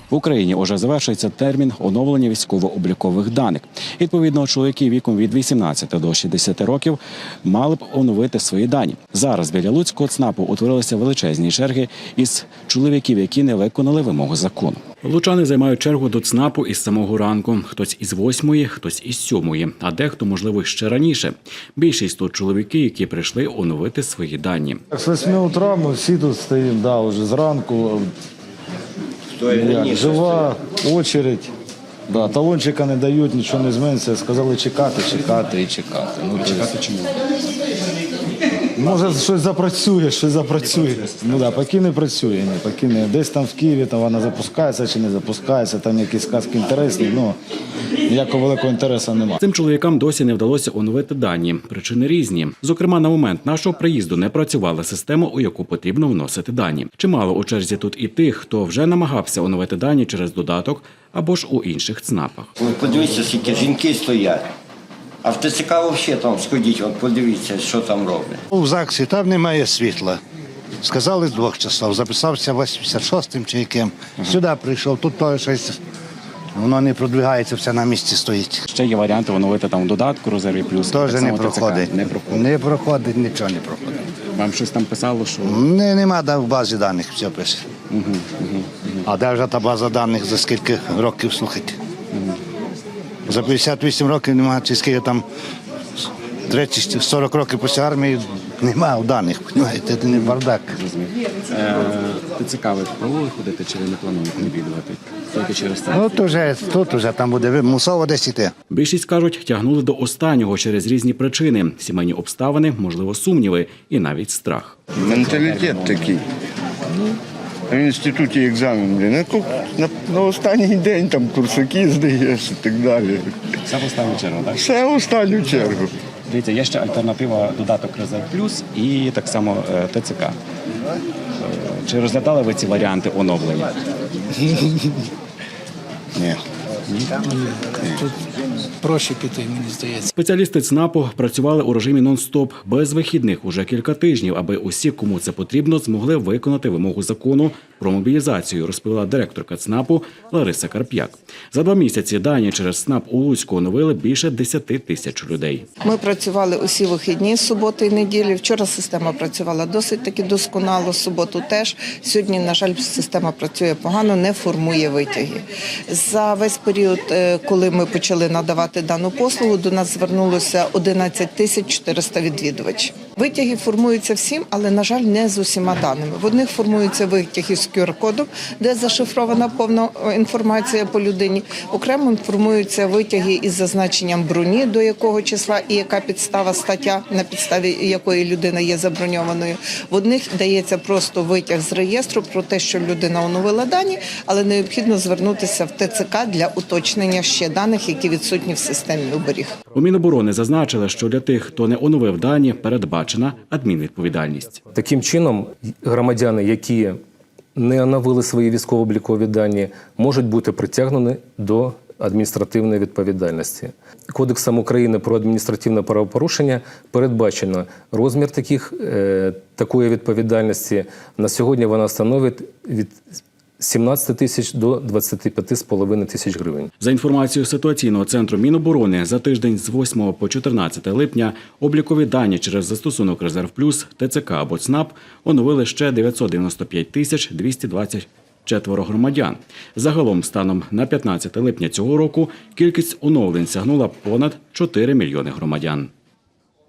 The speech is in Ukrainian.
В Україні уже завершується термін оновлення військово-облікових даних. Відповідно, чоловіки віком від 18 до 60 років мали б оновити свої дані. Зараз біля Луцького ЦНАПу утворилися величезні черги із чоловіків, які не виконали вимоги закону. Лучани займають чергу до ЦНАПу із самого ранку. Хтось із 8-ї, хтось із 7-ї, а дехто, можливо, ще раніше. Більшість тут чоловіки, які прийшли оновити свої дані. З 8 утра ми всі тут стоїмо, вже зранку. Жива очередь. Талончика не дають, нічого не зміниться. Сказали чекати і чекати. Чекати чому? Може, щось запрацює. Поки не працює. Десь там в Києві вона запускається чи не запускається, там якісь сказки інтересні, ніякого великого інтересу немає. Цим чоловікам досі не вдалося оновити дані. Причини різні. Зокрема, на момент нашого приїзду не працювала система, у яку потрібно вносити дані. Чимало у черзі тут і тих, хто вже намагався оновити дані через додаток або ж у інших ЦНАПах. Подивіться, скільки жінки стоять. А в ТЦК взагалі там сходіть, подивіться, що там роблять. У ЗАГСі там немає світла. Сказали з 2 часов, записався 86-м чи яким. Сюди прийшов, тут теж щось, воно не продвигається, все на місці стоїть. Ще є варіанти оновити там в додатку «Резерві плюс». Теж не проходить. Не проходить, нічого не проходить. Вам щось там писало, що... Нема в базі даних, все пише. А де вже та база даних, за скільки років, слухайте? За 58 років немає, чи скільки там 30-40 років після армії немає даних, розумієте, це не бардак. ТЦК ви пробували ходити, чи ви не плануєте відвідувати? Тільки через це? Тут вже там буде мусово десь іти. Більшість, кажуть, тягнули до останнього через різні причини. Сімейні обставини, можливо, сумніви і навіть страх. Менталітет такий. В інституті екзамен, на останній день там курсаки здаєш і так далі. Все в останню чергу, так? Все в останню чергу. Дивіться, є ще альтернатива додаток «Резерв плюс» і так само ТЦК. Чи розглядали ви ці варіанти оновлення? Ні. Тут проще піти, мені здається. Спеціалісти ЦНАПу працювали у режимі нон-стоп, без вихідних уже кілька тижнів, аби усі, кому це потрібно, змогли виконати вимогу закону про мобілізацію, розповіла директорка ЦНАПу Лариса Карп'як. За 2 місяці дані через ЦНАП у Луцьку оновили більше 10 тисяч людей. Ми працювали усі вихідні, суботи і неділі. Вчора система працювала досить таки досконало, суботу теж. Сьогодні, на жаль, система працює погано, не формує витяги. За весь період, коли ми почали надавати дану послугу, до нас звернулося 11 тисяч 400 відвідувачів. Витяги формуються всім, але, на жаль, не з усіма даними. В одних формуються витяги з QR-кодом, де зашифрована повна інформація по людині. Окремо формуються витяги із зазначенням броні, до якого числа і яка підстава, стаття, на підставі якої людина є заброньованою. В одних дається просто витяг з реєстру про те, що людина оновила дані, але необхідно звернутися в ТЦК для уточнення ще даних, які відсутні в системі оберіг. У Міноборони зазначили, що для тих, хто не оновив дані, передбачена адмінвідповідальність. Таким чином, громадяни, які не оновили свої військово-облікові дані, можуть бути притягнені до адміністративної відповідальності. Кодексом України про адміністративне правопорушення передбачено розмір такої відповідальності. На сьогодні вона становить від 17 тисяч до 25,5 тисяч гривень. За інформацією ситуаційного центру Міноборони, за тиждень з 8 по 14 липня облікові дані через застосунок «Резерв плюс», ТЦК або ЦНАП оновили ще 995 тисяч 224 громадян. Загалом, станом на 15 липня цього року, кількість оновлень сягнула понад 4 мільйони громадян.